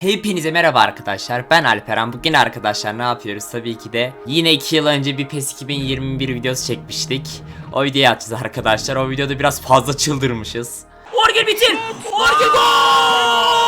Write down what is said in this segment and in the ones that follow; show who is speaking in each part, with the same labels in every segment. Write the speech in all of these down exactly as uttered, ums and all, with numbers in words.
Speaker 1: Hepinize merhaba arkadaşlar, ben Alperen. Bugün arkadaşlar ne yapıyoruz? Tabii ki de yine iki yıl önce bir PES iki bin yirmi bir videosu çekmiştik. O videoyu atacağız arkadaşlar. O videoda biraz fazla çıldırmışız. Orgel bitir! Orgel gol!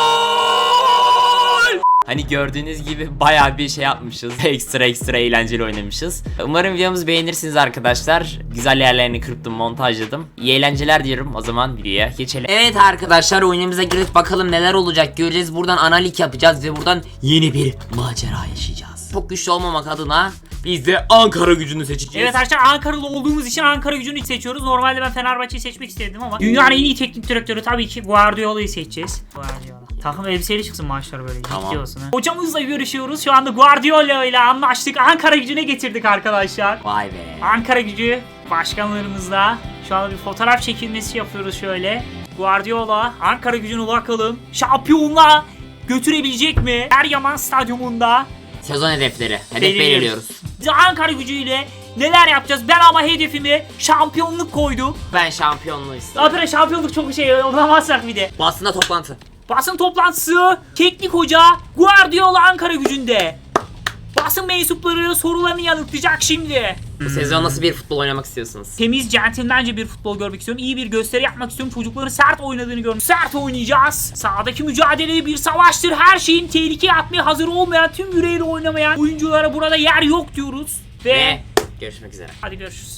Speaker 1: Hani gördüğünüz gibi bayağı bir şey yapmışız. Ekstra ekstra eğlenceli oynamışız. Umarım videomuzu beğenirsiniz arkadaşlar. Güzel yerlerini kırptım, montajladım. İyi eğlenceler diyorum. O zaman videoya geçelim. Evet arkadaşlar, oyunumuza girip bakalım neler olacak göreceğiz. Buradan analik yapacağız ve buradan yeni bir macera yaşayacağız. Çok güçlü olmamak adına biz de Ankara Gücü'nü seçeceğiz.
Speaker 2: Evet arkadaşlar, Ankaralı olduğumuz için Ankara Gücü'nü seçiyoruz. Normalde ben Fenerbahçe'yi seçmek istedim ama dünyanın en iyi teknik direktörü tabii ki Guardiola'yı seçeceğiz. Guardiola. Takım elbiseyle çıksın maçlar böyle.
Speaker 1: Tamam.
Speaker 2: Ciddi olsun ha. Hocamızla görüşüyoruz. Şu anda Guardiola ile anlaştık. Ankara Gücü'ne getirdik arkadaşlar.
Speaker 1: Vay be.
Speaker 2: Ankara Gücü başkanlarımızla şu anda bir fotoğraf çekilmesi yapıyoruz şöyle. Guardiola Ankara Gücü'ne bakalım. Şampiyonluğa götürebilecek mi? Eryaman Stadyumunda.
Speaker 1: Sezon hedefleri. Hedef
Speaker 2: Belirliyoruz.
Speaker 1: belirliyoruz.
Speaker 2: Biz Ankara Gücü'yle neler yapacağız? Ben ama hedefimi şampiyonluk koydum.
Speaker 1: Ben şampiyonluğu istiyorum.
Speaker 2: Apere şampiyonluk çok şey olamazsak bir de.
Speaker 1: Basında toplantı.
Speaker 2: Basın toplantısı, teknik hoca Guardiola Ankara Gücü'nde. Basın mensupları sorularını yanıtlayacak şimdi.
Speaker 1: Bu sezon nasıl bir futbol oynamak istiyorsunuz?
Speaker 2: Temiz, centilmence bir futbol görmek istiyorum. İyi bir gösteri yapmak istiyorum. Çocukların sert oynadığını görmek. Sert oynayacağız. Sahadaki mücadele bir savaştır. Her şeyin tehlikeye atmaya hazır olmayan, tüm yüreğiyle oynamayan oyunculara burada yer yok diyoruz. Ve,
Speaker 1: Ve görüşmek üzere.
Speaker 2: hadi görüşürüz.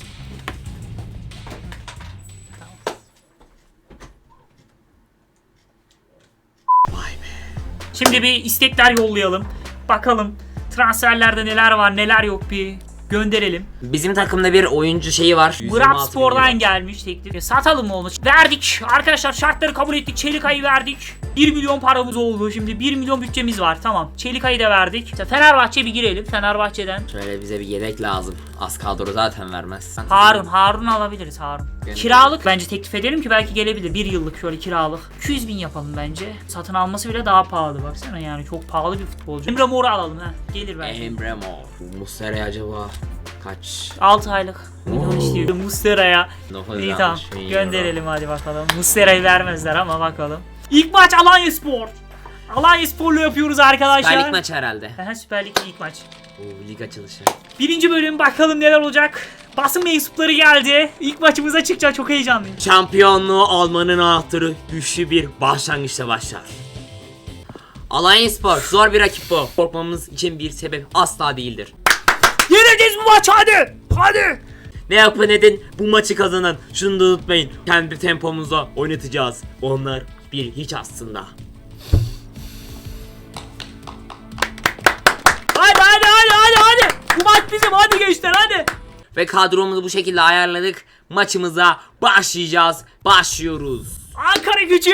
Speaker 1: Vay be.
Speaker 2: Şimdi bir istekler yollayalım. Bakalım transferlerde neler var neler yok bir gönderelim.
Speaker 1: Bizim takımda bir oyuncu şeyi var.
Speaker 2: Brab Spor'dan gelmiş teklif. Satalım mı onu? Verdik. Arkadaşlar şartları kabul ettik. Çelikay'ı verdik. bir milyon paramız oldu. Şimdi bir milyon bütçemiz var. Tamam. Çelikay'ı da verdik. İşte Fenerbahçe bir girelim. Fenerbahçe'den.
Speaker 1: Şöyle bize bir yedek lazım. Az kadro zaten vermez.
Speaker 2: Harun. Harun alabiliriz Harun.
Speaker 1: Gönderelim.
Speaker 2: Kiralık bence teklif edelim ki belki gelebilir. Bir yıllık şöyle kiralık. iki yüz bin yapalım bence. Satın alması bile daha pahalı. Baksana yani çok pahalı bir futbolcu. Emre Mor'u alalım ha. Gelir belki.
Speaker 1: Emre Mor. Bu Muslera acaba kaç?
Speaker 2: altı aylık. Milyon istiyor. Muslera'ya.
Speaker 1: dokuz yüz
Speaker 2: İyi tamam.
Speaker 1: altmış bin euro.
Speaker 2: Gönderelim hadi bakalım. Muslera'yı vermezler ama bakalım. İlk maç Alanyaspor. Alanyaspor'la yapıyoruz arkadaşlar.
Speaker 1: Süper Lig maçı herhalde.
Speaker 2: Aha, Süper Lig ilk maç.
Speaker 1: Oo, lig açılışı.
Speaker 2: Birinci bölüm bakalım neler olacak. Basın mensupları geldi. İlk maçımıza çıkacak, çok heyecanlıyım.
Speaker 1: Şampiyonluğu almanın anahtarı güçlü bir başlangıçta başlar. Alanyaspor zor bir rakip bu. Korkmamız için bir sebep asla değildir.
Speaker 2: Yeneceğiz bu maç, hadi. Hadi.
Speaker 1: Ne yapın edin bu maçı kazanın. Şunu da unutmayın. Kendi tempomuzla oynatacağız. Onlar bir hiç aslında.
Speaker 2: Hadi hadi hadi hadi hadi. Bu maç bizim, hadi gençler hadi.
Speaker 1: Ve kadromuzu bu şekilde ayarladık. Maçımıza başlayacağız. Başlıyoruz.
Speaker 2: Ankara Gücü,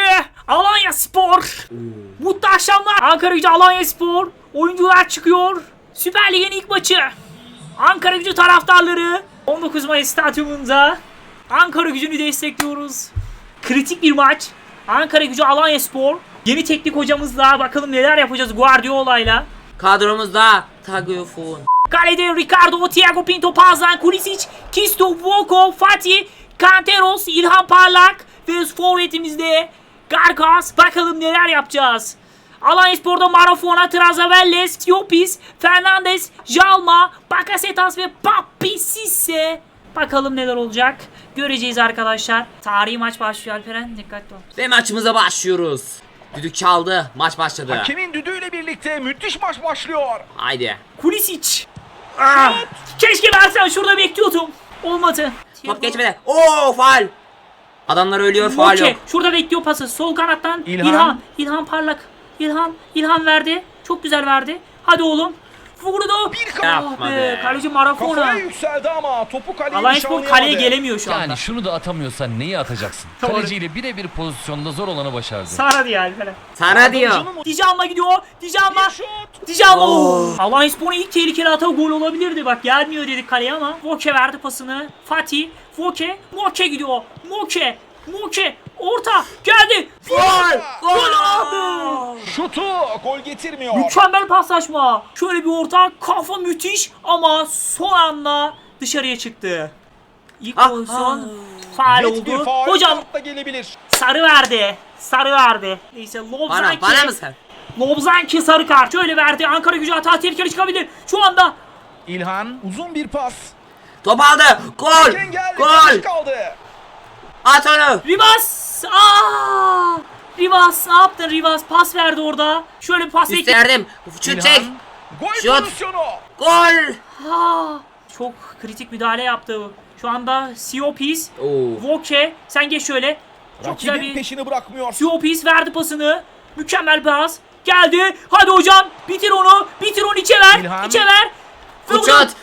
Speaker 2: Alanyaspor. Mutlu akşamlar. Ankara Gücü, Alanyaspor. Oyuncular çıkıyor. Süper Lig'in ilk maçı. Ankara Gücü taraftarları on dokuz Mayıs stadyumunda Ankara Gücü'nü destekliyoruz. Kritik bir maç. Ankara Gücü, Alanyaspor. Yeni teknik hocamızla bakalım neler yapacağız Guardiola'yla.
Speaker 1: Kadromuzda Tagliafico.
Speaker 2: Kalede Ricardo, Thiago Pinto, Pazdan, Kulisic, Kisto, Voko, Fatih, Kanteros, İlhan Parlak ve forvetimizde Garkas. Bakalım neler yapacağız. Alanyaspor'da Marafona, Trazavelles, Siopis, Fernandes, Jalma, Bakasetas ve Papi Sisse. Bakalım neler olacak. Göreceğiz arkadaşlar. Tarihi maç başlıyor Alperen. Dikkatli ol.
Speaker 1: Ve maçımıza başlıyoruz. Düdük çaldı. Maç başladı.
Speaker 3: Hakemin düdüğüyle birlikte müthiş maç başlıyor.
Speaker 1: Haydi.
Speaker 2: Kulisic. Ah, keşke versen, şurada bekliyordum. Olmadı.
Speaker 1: Top geçmedi. Oo faul. Adamlar ölüyor, faul
Speaker 2: Moke
Speaker 1: yok.
Speaker 2: şurada bekliyor pası. Sol kanattan İlhan.
Speaker 3: İlhan.
Speaker 2: İlhan, İlhan Parlak. İlhan, İlhan verdi. Çok güzel verdi. Hadi oğlum. Vurdu.
Speaker 3: Bir
Speaker 2: Ah
Speaker 3: kafa
Speaker 1: Yapma be.
Speaker 2: Kaleci Marafona.
Speaker 3: kafaya yükseldi ama topu kaleye
Speaker 2: Alanyaspor kaleye
Speaker 3: nişanlayamadı.
Speaker 2: gelemiyor şu anda.
Speaker 4: Yani şunu da atamıyorsan neyi atacaksın?
Speaker 2: Doğru.
Speaker 4: Kaleciyle birebir pozisyonda zor olanı başardı.
Speaker 2: Sara diye Alperen.
Speaker 1: Sana diyor.
Speaker 3: Yardımcının
Speaker 2: Djalma gidiyor. Djalma.
Speaker 3: bir şut.
Speaker 2: Djalma.
Speaker 1: Oh.
Speaker 2: Alanyaspor'un ilk tehlikeli atağı gol olabilirdi. Bak gelmiyor dedik kaleye ama. Moke verdi pasını. Fatih. Moke. Moke gidiyor. Moke. Moke. Orta. Geldi. Gol. Gol abi.
Speaker 3: Şutu gol getirmiyor.
Speaker 2: Mükemmel paslaşma. Şöyle bir orta, kafa müthiş ama son anda dışarıya çıktı. İlk
Speaker 1: Ah,
Speaker 2: pozisyon
Speaker 1: ah.
Speaker 2: faal
Speaker 3: Net bir
Speaker 2: oldu.
Speaker 3: faul
Speaker 2: Hocam
Speaker 3: da gelebilir.
Speaker 2: sarı verdi. Sarı verdi. Neyse
Speaker 1: Bana,
Speaker 2: Lobzaki.
Speaker 1: bana mı sen?
Speaker 2: Lobzanki sarı kart. Şöyle verdi. Ankara Gücü hata tehlikeli çıkabilir. Şu anda.
Speaker 3: İlhan uzun bir pas.
Speaker 1: Top aldı. Gol.
Speaker 3: Hakem geldi.
Speaker 1: Gol.
Speaker 3: Karşı kaldı.
Speaker 1: At onu.
Speaker 2: Rivas. Aa! Rivas ne yaptın Rivas? Pas verdi orada. Şöyle bir pas ek.
Speaker 1: Üstlerdim. Şut çek.
Speaker 3: İlhan. Gol
Speaker 1: Şut.
Speaker 3: pozisyonu.
Speaker 1: Gol.
Speaker 2: Aa, çok kritik müdahale yaptı. Şu anda Siopis,
Speaker 1: Oo.
Speaker 2: Voke, sen geç şöyle. Çok güzel
Speaker 3: Rakibin
Speaker 2: bir
Speaker 3: peşini bırakmıyor.
Speaker 2: Siopis verdi pasını. Mükemmel pas. Geldi. Hadi hocam. Bitir onu. Bitir onu içe ver.
Speaker 3: İlhan.
Speaker 2: İçe ver. Ve
Speaker 1: Şut.
Speaker 2: hocam-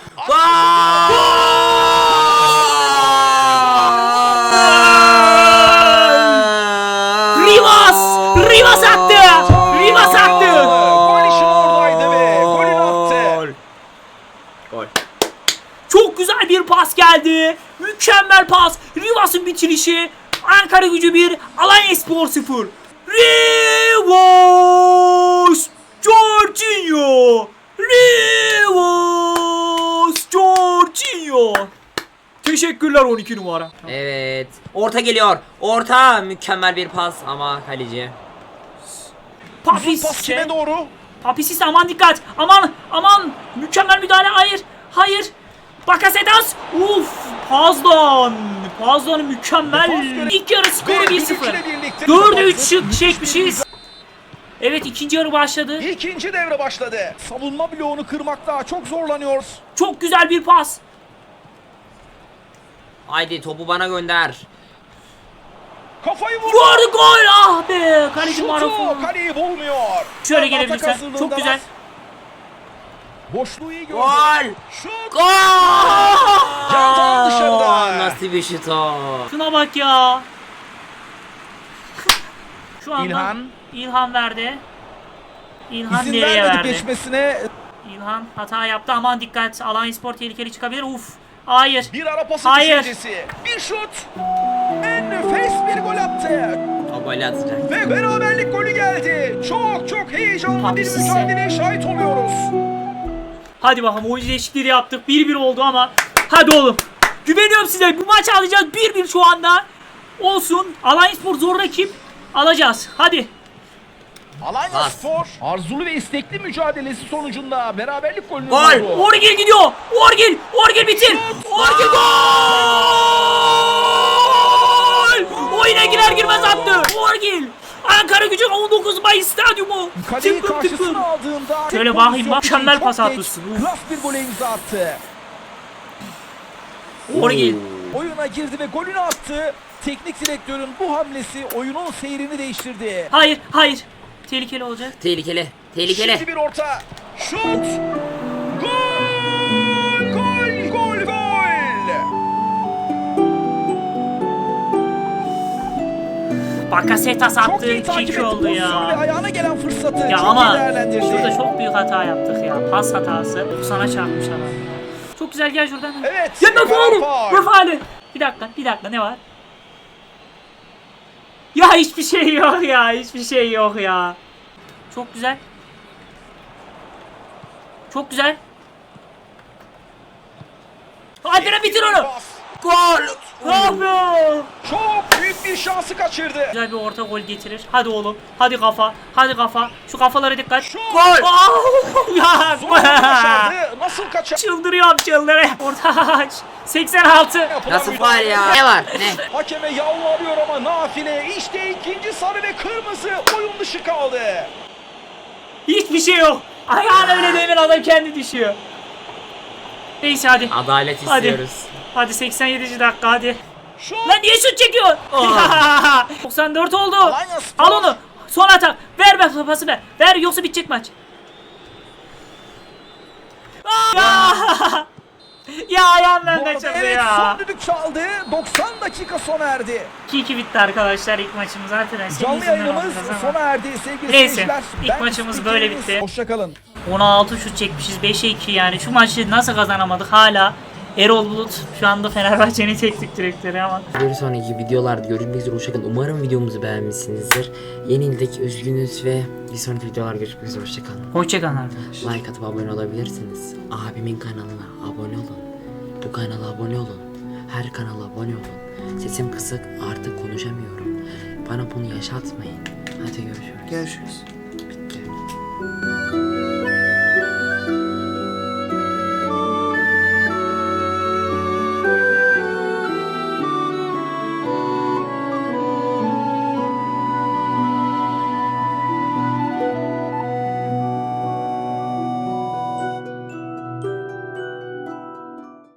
Speaker 2: Rivas! Rivas attı! Rivas attı!
Speaker 3: Gol işi oradaydı ve golünü attı.
Speaker 1: Gol.
Speaker 2: Çok güzel bir pas geldi. Mükemmel pas. Rivas'ın bitirişi. Ankara Gücü bir, Alanyaspor sıfır. Rivas! Jorginho! Rivas! Jorginho! Teşekkürler on iki numara.
Speaker 1: Evet. Orta geliyor. Orta. Mükemmel bir pas ama kaleci.
Speaker 3: Uzun pas
Speaker 2: Papis.
Speaker 3: kime doğru?
Speaker 2: Papisis aman dikkat. Aman aman. Mükemmel müdahale. Hayır. Hayır. Bakasetas. Uf. Pazdan. Pazdan'ın mükemmel.
Speaker 3: Defans göre-
Speaker 2: İlk yarı skoru
Speaker 3: Ve
Speaker 2: bir sıfır.
Speaker 3: düdükle birlikte
Speaker 2: dörde üç
Speaker 3: kapattı.
Speaker 2: şık
Speaker 3: Müthiş
Speaker 2: çekmişiz.
Speaker 3: bir
Speaker 2: Evet ikinci yarı başladı.
Speaker 3: İkinci devre başladı. Savunma bloğunu kırmakta çok zorlanıyor.
Speaker 2: Çok güzel bir pas.
Speaker 1: Haydi topu bana gönder.
Speaker 3: Kafayı vurdu.
Speaker 2: Vurdu gol. Ah be. Kaleci
Speaker 3: Şutu
Speaker 2: Marafon.
Speaker 3: kaleyi bulmuyor.
Speaker 2: Şöyle
Speaker 3: Atak
Speaker 2: gelebilirsen.
Speaker 3: hazırlığındalar.
Speaker 2: Çok güzel.
Speaker 3: Boşluğu iyi gördü.
Speaker 1: Gol.
Speaker 3: Şut.
Speaker 1: Gol.
Speaker 3: Yandan dışarıda.
Speaker 1: Nasıl bir şut o?
Speaker 2: Şuna bak ya. Şu anda
Speaker 3: İlhan.
Speaker 2: İlhan verdi. İlhan
Speaker 3: İzin
Speaker 2: nereye
Speaker 3: vermedi
Speaker 2: verdi?
Speaker 3: geçmesine.
Speaker 2: İlhan hata yaptı. Aman dikkat. Alanyaspor tehlikeli çıkabilir. Uf. Hayır.
Speaker 3: Bir ara pası
Speaker 2: Hayır.
Speaker 3: düşüncesi. Bir şut. En nefes bir gol attı.
Speaker 1: O golü atacak.
Speaker 3: Ve beraberlik golü geldi. Çok çok heyecanlı
Speaker 2: Abi
Speaker 3: bir
Speaker 2: siz-
Speaker 3: mücadeleye şahit oluyoruz.
Speaker 2: Hadi bakalım oyuncu değişikliği yaptık. bir bir oldu ama. Hadi oğlum. Güveniyorum size. Bu maçı alacağız. bir bir şu anda. Olsun. Alanyaspor zor rakip. Alacağız. Hadi.
Speaker 3: Alanya
Speaker 1: Bas.
Speaker 3: Spor arzulu ve istekli mücadelesi sonucunda beraberlik golünü
Speaker 1: Gol.
Speaker 3: buldu.
Speaker 2: Orgil gidiyor. Orgil. Orgil bitir. Orgil gol. Oyuna girer girmez attı. Orgil. Ankara Gücü on dokuz Mayıs stadyumu.
Speaker 3: Kaleyi
Speaker 2: Tıklım tıklım.
Speaker 3: karşısına aldığında
Speaker 2: Şöyle
Speaker 3: tek
Speaker 2: bakayım,
Speaker 3: pozisyon
Speaker 2: mükemmel
Speaker 3: için
Speaker 2: pas
Speaker 3: çok
Speaker 2: atmışsın.
Speaker 3: geç,
Speaker 2: Uf.
Speaker 3: Klas bir gole imza attı.
Speaker 2: Orgil.
Speaker 3: Oyuna girdi ve golünü attı. Teknik direktörün bu hamlesi oyunun seyrini değiştirdi.
Speaker 2: Hayır. Hayır. Tehlikeli olacak.
Speaker 1: Tehlikeli. Tehlikeli.
Speaker 3: Şimdi bir orta. Şut. Gol! Gol! Gol! Gol!
Speaker 2: Bakasetas
Speaker 3: Çok
Speaker 2: attı.
Speaker 3: iyi takip
Speaker 2: iki
Speaker 3: etti
Speaker 2: oldu
Speaker 3: pozisyonu ve
Speaker 2: ya.
Speaker 3: ayağına gelen fırsatı
Speaker 2: Ya
Speaker 3: çok iyi
Speaker 2: ama
Speaker 3: değerlendirdi.
Speaker 2: şurada çok büyük hata yaptık ya. Pas hatası. Sana çarpmış adam. Çok güzel gel şuradan.
Speaker 3: Evet.
Speaker 2: Ya ne faali?
Speaker 3: faul.
Speaker 2: Ne faali? Bir dakika, bir dakika ne var? Ya hiçbir şey yok ya, hiçbir şey yok ya. Çok güzel. Çok güzel. Hadi lan bitir onu.
Speaker 3: Pas.
Speaker 1: Gol.
Speaker 2: Ah be.
Speaker 3: Çok büyük bir şansı kaçırdı.
Speaker 2: Güzel bir orta gol getirir. Hadi oğlum. Hadi kafa. Hadi kafa. Şu kafalara dikkat.
Speaker 3: Şut.
Speaker 1: Gol.
Speaker 2: Ah! Ya.
Speaker 3: Zor başardı. Nasıl kaçar?
Speaker 2: Çıldırıyorum çıldırıyorum. Orta aç. seksen altı.
Speaker 3: Yapılan
Speaker 1: Nasıl faal
Speaker 3: müdahale.
Speaker 1: ya? Ne var? Ne?
Speaker 3: Hakeme yalvarıyor ama nafile. İşte ikinci sarı ve kırmızı oyun dışı kaldı.
Speaker 2: Hiçbir şey yok. Ayağına öyle demin adam kendi düşüyor. Neyse hadi.
Speaker 1: Adalet
Speaker 2: Hadi.
Speaker 1: istiyoruz.
Speaker 2: Hadi seksen yedinci dakika hadi.
Speaker 3: Şut.
Speaker 2: Lan niye şut çekiyor? doksan dört oldu.
Speaker 3: Alanya Spor.
Speaker 2: Al onu. Son atak. Ver ver pası ver. Ver yoksa bitecek maç. Aa! Ya ayağım
Speaker 3: Bu
Speaker 2: benden
Speaker 3: arada
Speaker 2: çıktı
Speaker 3: evet
Speaker 2: ya.
Speaker 3: son düdük çaldı. doksan dakika sona erdi.
Speaker 2: iki iki bitti arkadaşlar ilk maçımız zaten. Senin
Speaker 3: Canlı
Speaker 2: yüzünden
Speaker 3: yayınımız
Speaker 2: alacağız ama.
Speaker 3: sona erdi sevgili
Speaker 2: Neyse,
Speaker 3: seyirciler.
Speaker 2: ilk
Speaker 3: Ben
Speaker 2: maçımız böyle
Speaker 3: spikeriniz.
Speaker 2: bitti.
Speaker 3: Hoşçakalın.
Speaker 2: on altı şut çekmişiz beşe iki yani. Şu maçı nasıl kazanamadık hala. Erol Bulut şu anda Fenerbahçe'nin teknik direktörü ama.
Speaker 5: Bir sonraki videolarda görüşmek üzere, hoşçakalın. Umarım videomuzu beğenmişsinizdir. Yenildik, üzgünüz ve bir sonraki videolar görüşmek üzere, hoşçakalın.
Speaker 2: Hoşçakalın arkadaşlar.
Speaker 5: Like atıp abone olabilirsiniz. Abimin kanalına abone olun. Bu kanala abone olun. Her kanala abone olun. Sesim kısık, artık konuşamıyorum. Bana bunu yaşatmayın. Hadi görüşürüz.
Speaker 2: Görüşürüz.